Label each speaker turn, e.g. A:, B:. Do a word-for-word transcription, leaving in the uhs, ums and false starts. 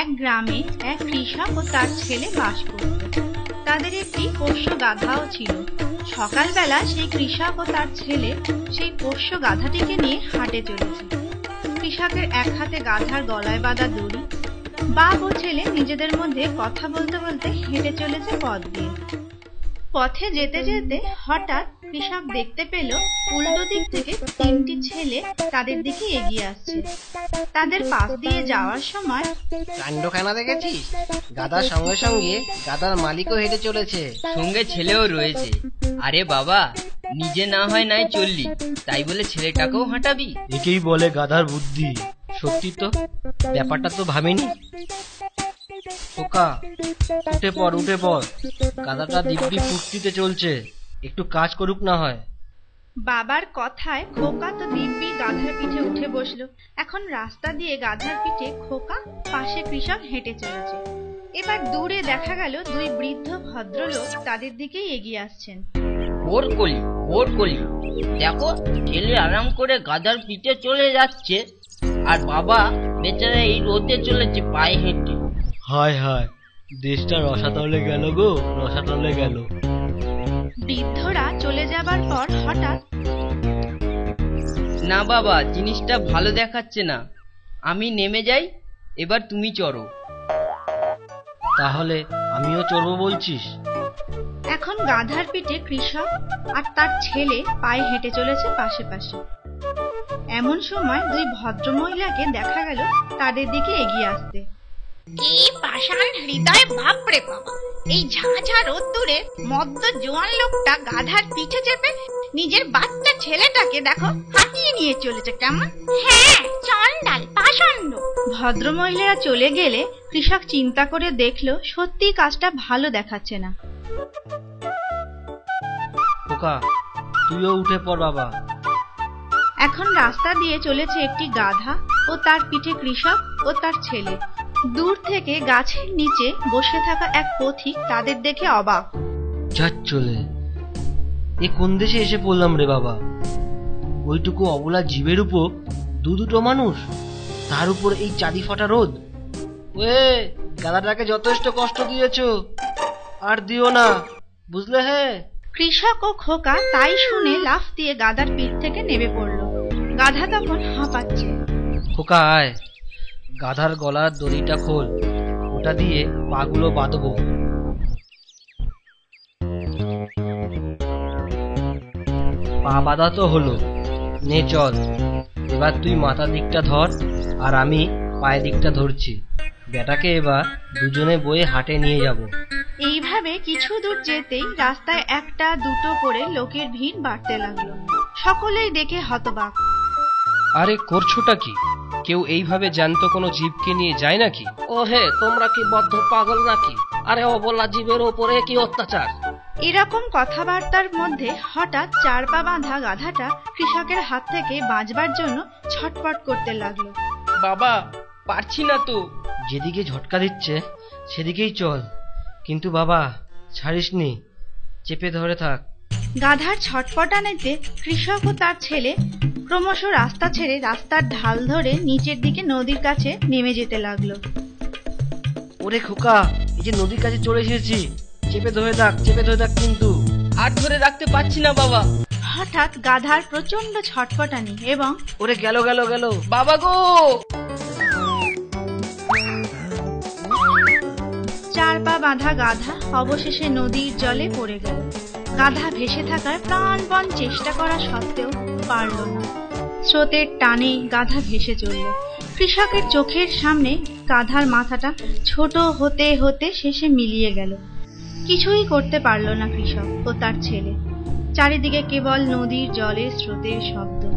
A: এক গ্রামে এক কৃষক ও তার ছেলে বাস করত। তাদের একটি পোষ্য গাধাও ছিল। সকালবেলা সেই কৃষক ও তার ছেলে সেই পোষ্য গাধাটিকে নিয়ে হাটে চলেছে। কৃষকের এক হাতে গাধার গলায় বাঁধা দড়ি। বাপ ও ছেলে নিজেদের মধ্যে কথা বলতে বলতে হেঁটে চলেছে পথ দিয়ে। পথে যেতে যেতে হঠাৎ কৃষক দেখতে পেল উল্টো দিক থেকে তিনটি ছেলে তাদের দিকে এগিয়ে আসছে। তাদের পাশ দিয়ে যাওয়ার সময়
B: কাণ্ডখানা দেখেছিস? গাধার সঙ্গে সঙ্গে গাধার মালিকও হেঁটে চলেছে,
C: সঙ্গে ছেলেও রয়েছে। আরে বাবা, নিজে না হয় নাই চললি, তাই বলে ছেলেটাকেও হাঁটাবি?
D: একেই বলে গাধার বুদ্ধি। সত্যি তো, ব্যাপারটা তো ভাবিনি। খোকা, উঠে পড় উঠে পড়, গাধাটা দিব্যি ফুর্তিতে চলছে, একটু কাজ করুক না হয়।
A: বাবার কথায় খোকা তো দিব্যি গাধার পিঠে উঠে বসলো। এখন রাস্তা দিয়ে গাধার পিঠে খোকা, পাশে কৃষক হেঁটে চলেছে। এবার দূরে দেখা গেল দুই বৃদ্ধ ভদ্রলোক তাদের দিকেই এগিয়ে আসছেন।
C: ওর কলি ওর কলি দেখো, ছেলে আরাম করে গাধার পিঠে চলে যাচ্ছে, আর বাবা বেচারা এই রোদে চলেছে পায়ে হেঁটে।
D: হায় হায়, দেশটা রসাতলে গেল গো, রসাতলে গেল।
A: বৃদ্ধরা চলে যাবার পর হঠাৎ,
C: না বাবা, জিনিসটা ভালো দেখাচ্ছে না, আমি নেমে যাই, এবার তুমি চড়ো।
D: তাহলে আমিও চড়বো বলছিস?
A: এখন গাধার পিঠে কৃষক আর তার ছেলে পায়ে হেঁটে চলেছে পাশে পাশে। এমন সময় দুই ভদ্র মহিলাকে দেখা গেল তাদের দিকে এগিয়ে আসতে।
E: কি পাষাণ হৃদয়, বাপরে বাবা! এই ঝাঁঝা রোদ্দুরে মদ্য জোয়ান লোকটা গাধার পিঠে চেপে নিজের বাচ্চা ছেলেটাকে দেখো হাঁটিয়ে নিয়ে চলেছে কেমন। হ্যাঁ, চন্ডাল, পাষণ্ড।
A: ভদ্র মহিলারা চলে গেলে কৃষক চিন্তা করে দেখলো সত্যি কাজটা ভালো দেখাচ্ছে না।
D: খোকা, তুইও উঠে পড় বাবা।
A: এখন রাস্তা দিয়ে চলেছে একটি গাধা ও তার পিঠে কৃষক ও তার ছেলে। দূর থেকে গাছের নিচে বসে থাকা এক পথিক তাদের দেখে অবাক।
D: যাচ চলে, এ কোন দেশে এসে পড়লাম রে বাবা? ওইটুকু অবলা জীবের উপর দু দুটো মানুষ, তার উপর এই চাঁদি ফাটা রোদ। ওয়ে, গাধাটাকে যথেষ্ট কষ্ট দিয়েছো, আর দিও না, বুঝলে? হে,
A: কৃষক ও খোকা তাই শুনে লাফ দিয়ে গাধার পিঠ থেকে নেমে পড়ল। গাধা তখন হাঁপাচ্ছে।
D: খোকা আয়, গাধার গলার দড়িটা খোল, ওটা দিয়ে পাগুলো বাঁধবো। পা বাঁধা তো হলো, নে চল। এবার তুই মাথা দিকটা ধর, আর আমি পায়ের দিকটা ধরছি। বেটাকে এবার দুজনে বয়ে হাটে নিয়ে যাব।
A: এইভাবে কিছু দূর যেতেই রাস্তায় একটা দুটো করে লোকের ভিড় বাড়তে লাগলো। সকলেই দেখে হতবাক।
F: আরে করছোটা কি? কেউ এইভাবে জ্যান্ত কোনো জীবকে নিয়ে যায় নাকি?
B: ও হে, তোমরা কি বদ্ধ পাগল নাকি? আরে অবলা জীবের ওপরে কি অত্যাচার!
A: এরকম কথাবার্তার মধ্যে হঠাৎ চার পা বাঁধা গাধাটা কৃষকের হাত থেকে বাঁচবার জন্য ছটপট করতে লাগলো।
C: বাবা, পারছি না তো।
D: যেদিকে ঝটকা দিচ্ছে সেদিকেই চল, কিন্তু বাবা ছাড়িসনি, চেপে ধরে থাক।
A: গাধার ছটপটানিতে কৃষক ও তার ছেলে ক্রমশ রাস্তা ছেড়ে রাস্তার ঢাল ধরে নিচের দিকে নদীর কাছে নেমে যেতে লাগলো।
D: ওরে খোকা, এই যে নদীর কাছে চলে এসেছি, চেপে ধরে থাক, চেপে ধরে থাক কিন্তু।
C: আর ধরে রাখতে পারছি না বাবা।
A: হঠাৎ গাধার প্রচন্ড ছটপটানি এবং
D: ওরে গেল গেল গেল
C: বাবা গো!
A: চার পা বাঁধা গাধা অবশেষে নদীর জলে পড়ে গেল। গাধা ভেসে থাকার প্রাণপণ চেষ্টা করা সত্ত্বেও পারল না। স্রোতের টানে গাধা ভেসে চলল। কৃষকের চোখের সামনে গাধার মাথাটা ছোট হতে হতে শেষে মিলিয়ে গেল। কিছুই করতে পারল না কৃষক ও তার ছেলে। চারিদিকে কেবল নদীর জলের স্রোতের শব্দ।